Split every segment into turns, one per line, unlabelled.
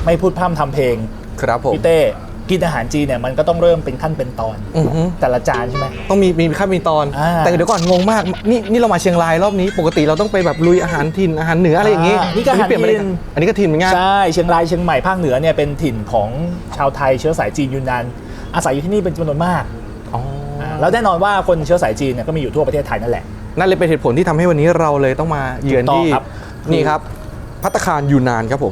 ไม่พูดพร่ำทำเพลง
ครับผม
พี่เต้กินอาหารจีนเนี่ยมันก็ต้องเริ่มเป็นขั้นเป็นตอนแต่ละจานใช่ไหม
ต้องมีขั้นมีตอนแต่เดี๋ยวก่อนงงมากนี่เรามาเชียงรายรอบนี้ปกติเราต้องไปแบบลุยอาหารถิ่นอาหารเหนืออะไรอย่างงี้
นี่ก็อาหารถิ่น
อันนี้ก็ถิ่นเหมือนกัน
ใช่เชียงรายเชียงใหม่ภาคเหนือเนี่ยเป็นถิ่นของชาวไทยเชื้อสายจีนยูนนานอาศัยอยู่ที่นี่เป็นจำนวนมากแล้วแน่นอนว่าคนเชื้อสายจีนเนี่ยก็มีอยู่ทั่วประเทศไทยนั่นแหละ
นั่นเลยเป็นเหตุผลที่ทำให้วันนี้เราเลยต้องมาเยือนที่นี่ครับภัตตาคารยูนนานครับผม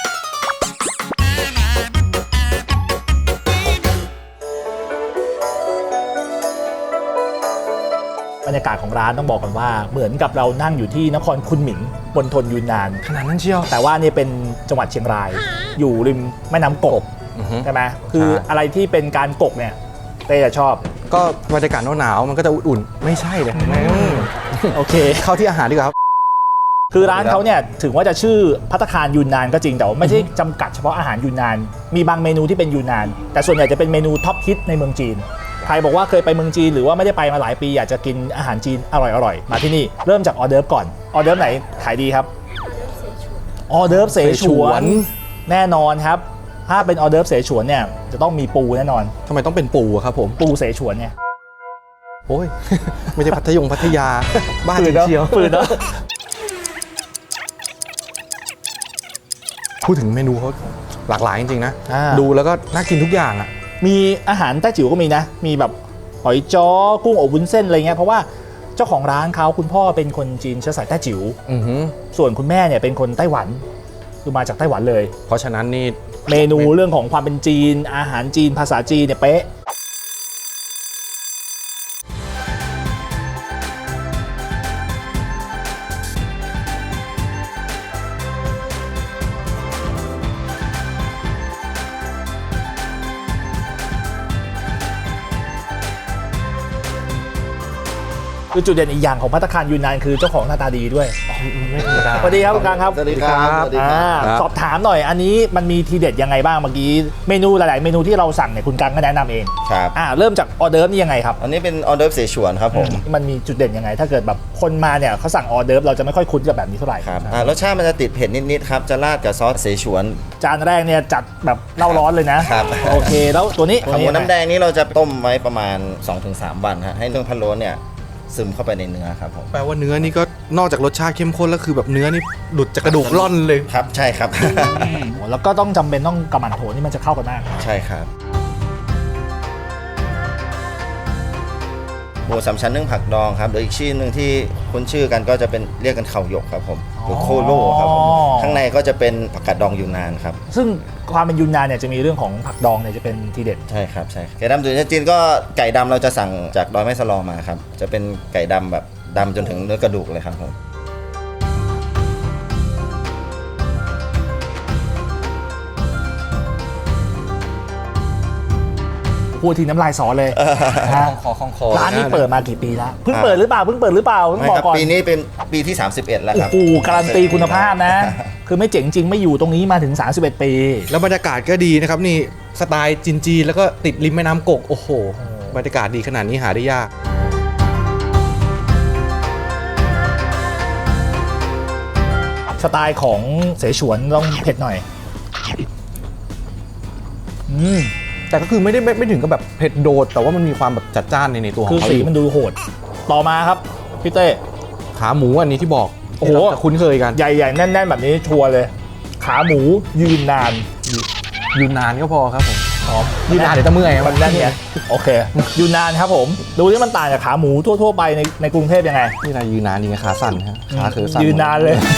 บรรยากาศของร้านต้องบอกกันว่าเหมือนกับเรานั่งอยู่ที่นครคุนหมิงบนทนยูนนาน
ขนาดนั้นเชียว
แต่ว่านี่เป็นจังหวัดเชียงรายอยู่ริมแม่น้ำกกใช่ไหมคืออะไรที่เป็นการกกเนี่ยเต้จะชอบ
ก็บรรยากาศหนาวมันก็จะอุ่นๆไม่ใช่เลย
โอเค
เข้าที่อาหารดีกว่าครับ
คือร้านเขาเนี่ยถึงว่าจะชื่อภัตตาคารยูนนานก็จริงแต่ว่าไม่ใช่จำกัดเฉพาะอาหารยูนนานมีบางเมนูที่เป็นยูนนานแต่ส่วนใหญ่จะเป็นเมนูท็อปฮิตในเมืองจีนใครบอกว่าเคยไปเมืองจีนหรือว่าไม่ได้ไปมาหลายปีอยากจะกินอาหารจีนอร่อยๆมาที่นี่เริ่มจากออเดิร์ฟก่อนออเดิร์ฟไหนขายดีครับออเดิร์ฟเสฉวนแน่นอนครับถ้าเป็นออเดิร์ฟเสฉวนเนี่ยจะต้องมีปูแน่นอน
ทำไมต้องเป็นปูครับผม
ปูเสฉวนเนี่ย
โอ้ยไม่ใช่พัทยาบ้านเชียว
ฝืนเนาะ
พูดถึงเมนูเขาหลากหลายจริงๆนะดูแล้วก็น่ากินทุกอย่างอ่ะ
มีอาหารแต้จิ๋วก็มีนะมีแบบหอยจ้อกุ้งอบวุ้นเส้นอะไรเงี้ยเพราะว่าเจ้าของร้านเขาคุณพ่อเป็นคนจีนเชื้อสายแต้จิ๋วส่วนคุณแม่เนี่ยเป็นคนไต้หวันคือมาจากไต้หวันเลย
เพราะฉะนั้นนี่
เมนูเรื่องของความเป็นจีนอาหารจีนภาษาจีนเนี่ยเป๊ะคือจุดเด่นอีกอย่างของภัตตาคารยูนนานคือเจ้าของหน้าตาดีด้วย
ไม่ธรรมดา
สวัสดีครับคุณกลางครับ
สวัสดีครับ
สอบถามหน่อยอันนี้มันมีทีเด็ดยังไงบ้างเมื่อกี้เมนูหลายๆเมนูที่เราสั่งเนี่ยคุณกลางก็แนะนำเอง
ครับ
เริ่มจากออเดิร์ฟนี่ยังไงครับ
อันนี้เป็นออเดิร์ฟเสฉวนครับผม
มันมีจุดเด่นยังไงถ้าเกิดแบบคนมาเนี่ยเขาสั่งออเดิร์ฟเราจะไม่ค่อยคุ้นกับแบบนี้เท่าไหร่
ครับรสชาติมันจะติดเผ็ดนิดๆครับจะราดกับซอสเสฉวน
จานแรกเนี่ยจัดแบบเล่าร้อนเลยนะครับโอเคแล้วตัวนี้
ขาหมูน้ำแดงนี้เราจะต้มไว้ประมาณ 2-3 วันฮะให้เรื่องพะโล้เนี่ยซึมเข้าไปในเนื้อครับผม
แปลว่าเนื้อนี่ก็นอกจากรสชาติเข้มข้นแล้วคือแบบเนื้อนี่หลุดจากกระดูกล่อนเลย
ครับใช่ครับ
แล้วก็ต้องจำเป็นต้องกระหม่ำโถนี่มันจะเข้ากันมาก
ใช่ครับหมูสามชั้นนึ่งผักดองครับหรืออีกชื่อหนึ่งที่คุ้นชื่อกันก็จะเป็นเรียกกันเข่าหยกครับผมหรือโคโล่ครับผมข้างในก็จะเป็นผักกาดดองยูนนานครับ
ซึ่งความเป็นยูนนานเนี่ยจะมีเรื่องของผักดองเนี่ยจะเป็นทีเด็ด
ใช่ครับใช่ไก่ดำตุ๋นจีนก็ไก่ดำเราจะสั่งจากดอยแม่สลอมาครับจะเป็นไก่ดำแบบดำจนถึงเนื้อกระดูกเลยครับผม
พูดทีน้ำลายสอเลย
คอ
ร้านนี้เปิดมากี่ปีแล้วเพิ่งเปิดหรือเปล่าต้องบอกก่อน
ปีนี้เป็นปีที่31แล้วครับ
โอ้โหการันตีคุณภาพนะคือไม่เจ๋งจริงไม่อยู่ตรงนี้มาถึง31ปี
แล้วบรรยากาศก็ดีนะครับนี่สไตล์จีนแล้วก็ติดริมแม่น้ำกกโอ้โหบรรยากาศดีขนาดนี้หาได้ยาก
สไตล์ของเสฉวนต้องเผ็ดหน่อย
แต่ก็คือไม่ถึงกับแบบเผ็ดโดดแต่ว่ามันมีความแบบจัดจ้านในตัวของ
เขาคือสีมันดูโหดต่อมาครับพี่เต้
ขาหมูอันนี้ที่บอกโอ้โหคุ้นเคยกัน
ใหญ่ๆแน่นๆแบบนี้ชัวร์เลยขาหมูยืนนาน
ก็พอครับผมยืนนานเดี๋ยวจะเมื่อย
มันแน่นไงโอเคยืนนานครับผมดูที่มันต่างจากขาหมูทั่วไปในกรุงเทพยังไง
นี่นายยืนนานจริงขาสั่นฮะขาคือสั่น
ยืนนานเลย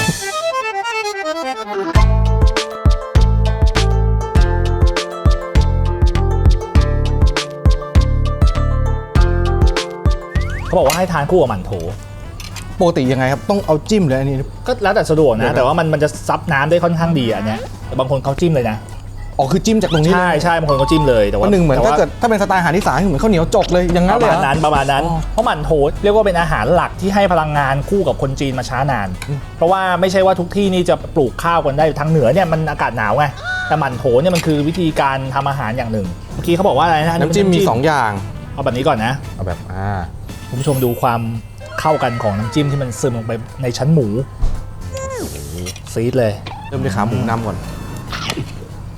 เขาบอกว่าให้ทานคู่กับหมั่นโถ
ปกติยังไงครับต้องเอาจิ้มเลยอันนี้
ก็แล้วแต่สะดวกนะแต่ว่ามันจะซับน้ำได้ค่อนข้างดีอันเนี้ยบางคนเขาจิ้มเลยนะ
อ๋อคือจิ้มจากตรงนี้
ใช่บางคนเขาจิ้มเลยแต่ว่า
หนึ่งเหมือนถ้าเกิดถ้าเป็นสไตล์อาหารอีสานเหมือนข้าวเหนียวจกเลยอย่างนั้นเลย
ประมาณนั้นเพราะหมั่นโถเรียกว่าเป็นอาหารหลักที่ให้พลังงานคู่กับคนจีนมาช้านานเพราะว่าไม่ใช่ว่าทุกที่นี่จะปลูกข้าวกันได้ทางเหนือเนี่ยมันอากาศหนาวไงแต่หมั่นโถเนี่ยมันคือวิธีการทำอาหารอย่างหนึ่งเมื่อกี้เขาบอกว่าอะไรนะ
น้ำจิ้มมี2อย่าง
เอาแบบนี้ก่อนนะ
เอาแบบ
คุณผู้ชมดูความเข้ากันของน้ำจิ้มที่มันซึมลงไปในชั้นหมูซีดเลย
เริ่มด้วยขาหมูนำก่อน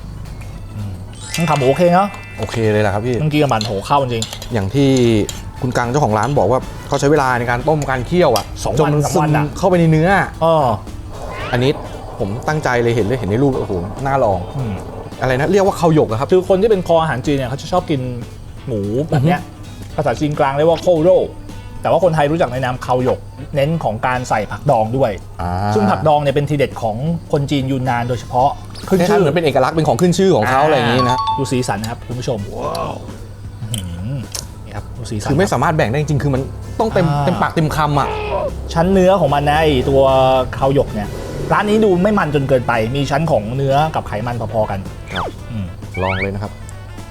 ขาหมูโอเคเนาะ
โอเคเลยแหละครับพี่
เมื่อกี้กับมันโหเข้าจริง
อย่างที่คุณกังเจ้าของร้านบอกว่าเขาใช้เวลาในการต้มการเคี่ยวอ่ะ
2
จนมัน
วัน
ซึ
3 วั
ม
นอะ
เข้าไปในเนื้อ
ๆ
อันนี้ผมตั้งใจเลยเห็นในรูปโอ้โหน่าลอง
อืม
อะไรนะเรียกว่าข้าวหยกอะครับ
คือคนที่เป็นคออาหารจีนเนี่ยเขาจะชอบกินหมูแบบเนี้ยภาษาจีนกลางเรียกว่าโคโร่แต่ว่าคนไทยรู้จักในนามเขาหยก เน้นของการใส่ผักดองด้วย ซึ่งผักดองเนี่ยเป็นทีเด็ดของคนจีนยูนนานโดยเฉพาะ
ขึ้นชื่อเหมือนเป็นเอกลักษณ์เป็นของขึ้นชื่อของเขาอะไรอย่างนี้นะ
ดูสีสันนะครับคุณผู้ชมนี่ครับดูสีสัน
คือไม่สามารถแบ่งได้จริงๆคือมันต้องเต็มปากเต็มคำอ่ะ
ชั้นเนื้อของมันนะไอตัวเขาหยกเนี่ยร้านนี้ดูไม่มันจนเกินไป มีชั้นของเนื้อกับไขมันพอๆกัน
ครับ
อืม
ลองเลยนะครับ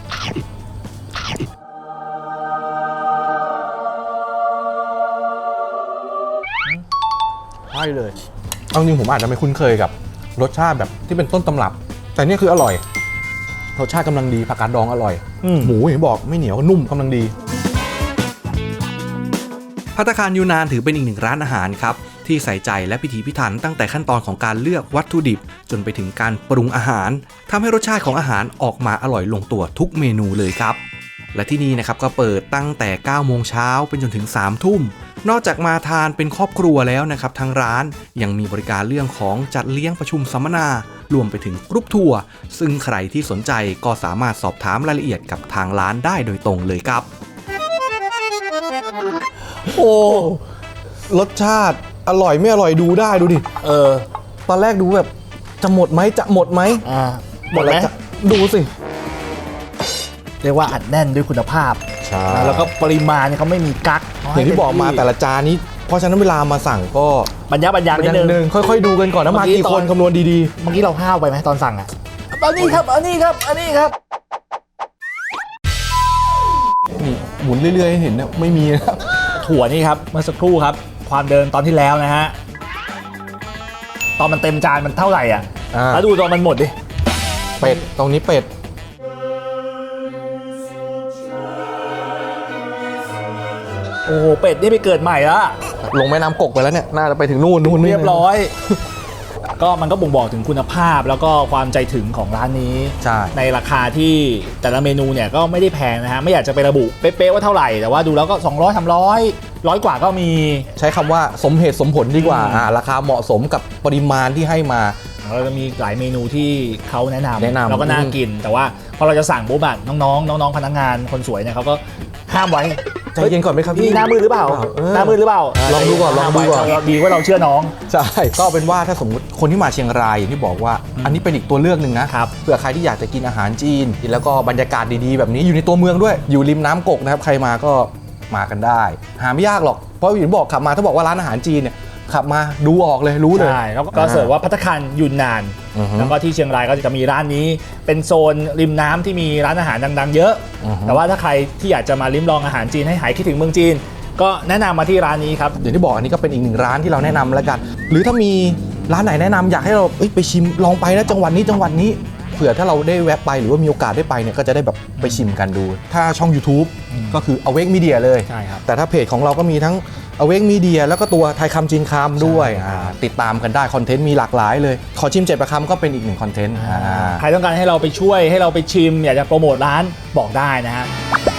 ใช่เลยเอาจริงผมอาจจะไม่คุ้นเคยกับรสชาติแบบที่เป็นต้นตำรับ แต่นี่คืออร่อยรสชาติกำลังดีผักกาดดองอร่อย หมูอย่างที่บอกไม่เหนียวนุ่มกำลังดีภัตตาคารยูนานถือเป็นอีกหนึ่งร้านอาหารครับที่ใส่ใจและพิถีพิถันตั้งแต่ขั้นตอนของการเลือกวัตถุดิบจนไปถึงการปรุงอาหารทำให้รสชาติของอาหารออกมาอร่อยลงตัวทุกเมนูเลยครับและที่นี่นะครับก็เปิดตั้งแต่9โมงเช้าเป็นจนถึง3ทุ่มนอกจากมาทานเป็นครอบครัวแล้วนะครับทางร้านยังมีบริการเรื่องของจัดเลี้ยงประชุมสัมมนารวมไปถึงกรุ๊ปทัวร์ซึ่งใครที่สนใจก็สามารถสอบถามรายละเอียดกับทางร้านได้โดยตรงเลยครับโอ้รสชาติอร่อยไม่อร่อยดูได้ดูดิตอนแรกดูแบบจะหมดไหม
หมดไหม
ดูสิ
เรียกว่าอัดแน่นด้วยคุณภาพ
ใช่
แล้วก็ปริมาณเนี่ยเขาไม่มีกั๊ก
อย่างที่บอกมาแต่ละจานนี้เพราะฉะนั้นเวลามาสั่งก็
บรรยะนิดนึง
ค่อยๆดูกันก่อนนะมากี่คนคำนวณดี
เมื่อกี้เราห้าวไปไหมตอนสั่งอ่ะอันนี้ครับอันนี้ครับอันนี้ครับ
ๆนี่หมุนเรื่อยๆให้เห็นเนี่ยไม่มีนะครับ
ถั่วนี่ครับเมื่อสักครู่ครับความเดินตอนที่แล้วนะฮะตอนมันเต็มจานมันเท่าไหร่อ่ะแล้วดูตอนมันหมดดิ
เป็ดตรงนี้เป็ด
โอ้โหเป็ดนี่ไปเกิดใหม่แล้ว
ลงแม่น้ำกกไปแล้วเนี่ยน่าจะไปถึงนู่น
เรียบร้อย ก็มันก็บ่งบอกถึงคุณภาพแล้วก็ความใจถึงของร้านนี้
ใช่
ในราคาที่แต่ละเมนูเนี่ยก็ไม่ได้แพงนะฮะไม่อยากจะไประบุเป๊ะๆว่าเท่าไหร่แต่ว่าดูแล้วก็200 300 100 กว่าก็มี
ใช้คำว่าสมเหตุสมผลดีกว่าราคาเหมาะสมกับปริมาณที่ให้มา
เราจะมีหลายเมนูที่เขาแนะนำ
ำ
แล้วก็น่ากิน แต่ว่าพอเราจะสั่งปุ๊บอะน้องๆพนักงานคนสวยเนี่ยเขาก็ห้ามไว้
ใจเย็นก่อนไหมครับ
พี่หน้ามืดหรือเปล่า หน้ามืดหรือเปล่า
ลองดูก่อนลองดูก่อน
ดีว่าเราเชื่อน้อง
ใช่ก็เป็นว่าถ้าสมมติคนที่มาเชียงรายอย่างที่บอกว่าอันนี้เป็นอีกตัวเลือกหนึ่งนะครับ เผื่อใครที่อยากจะกินอาหารจีนแล้วก็บรรยากาศดีๆแบบนี้อยู่ในตัวเมืองด้วยอยู่ริมน้ำกกนะครับใครมาก็มากันได้หาไม่ยากหรอกเพราะอย่างที่บอกขับมาถ้าบอกว่าร้านอาหารจีนเนี่ยขับมาดูออกเลยรู้เลย
ใช่แล้วก็เสิร์ฟว่าภัตตาคารยูนนาน
อือฮึ
แล้วก็ที่เชียงรายก็จะมีร้านนี้เป็นโซนริมน้ำที่มีร้านอาหารดังๆเยอะ
อือฮึ
แต่ว่าถ้าใครที่อยากจะมาลิ้มลองอาหารจีนให้หายคิดถึงเมืองจีน ก็แนะนำมาที่ร้านนี้ครับ
อย่างที่บอกอันนี้ก็เป็นอีกหนึ่งร้านที่เราแนะนำแล้วกัน หรือถ้ามีร้านไหนแนะนำอยากให้เราไปชิมลองไปนะจังหวัดนี้เผื่อถ้าเราได้แวะไปหรือว่ามีโอกาสได้ไปเนี่ยก็จะได้แบบไปชิมกันดู ถ้าช่อง YouTube ก็คือ Awake Media เลย
ใช่ครับ
แต่ถ้าเพจของเราก็มีทั้ง Awake Media แล้วก็ตัวไทยคำจีนคำด้วยติดตามกันได้คอนเทนต์มีหลากหลายเลยขอชิม7 ประคำก็เป็นอีกหนึ่งคอนเทนต์
ใครต้องการให้เราไปช่วยให้เราไปชิม อยากจะโปรโมทร้านบอกได้นะฮะ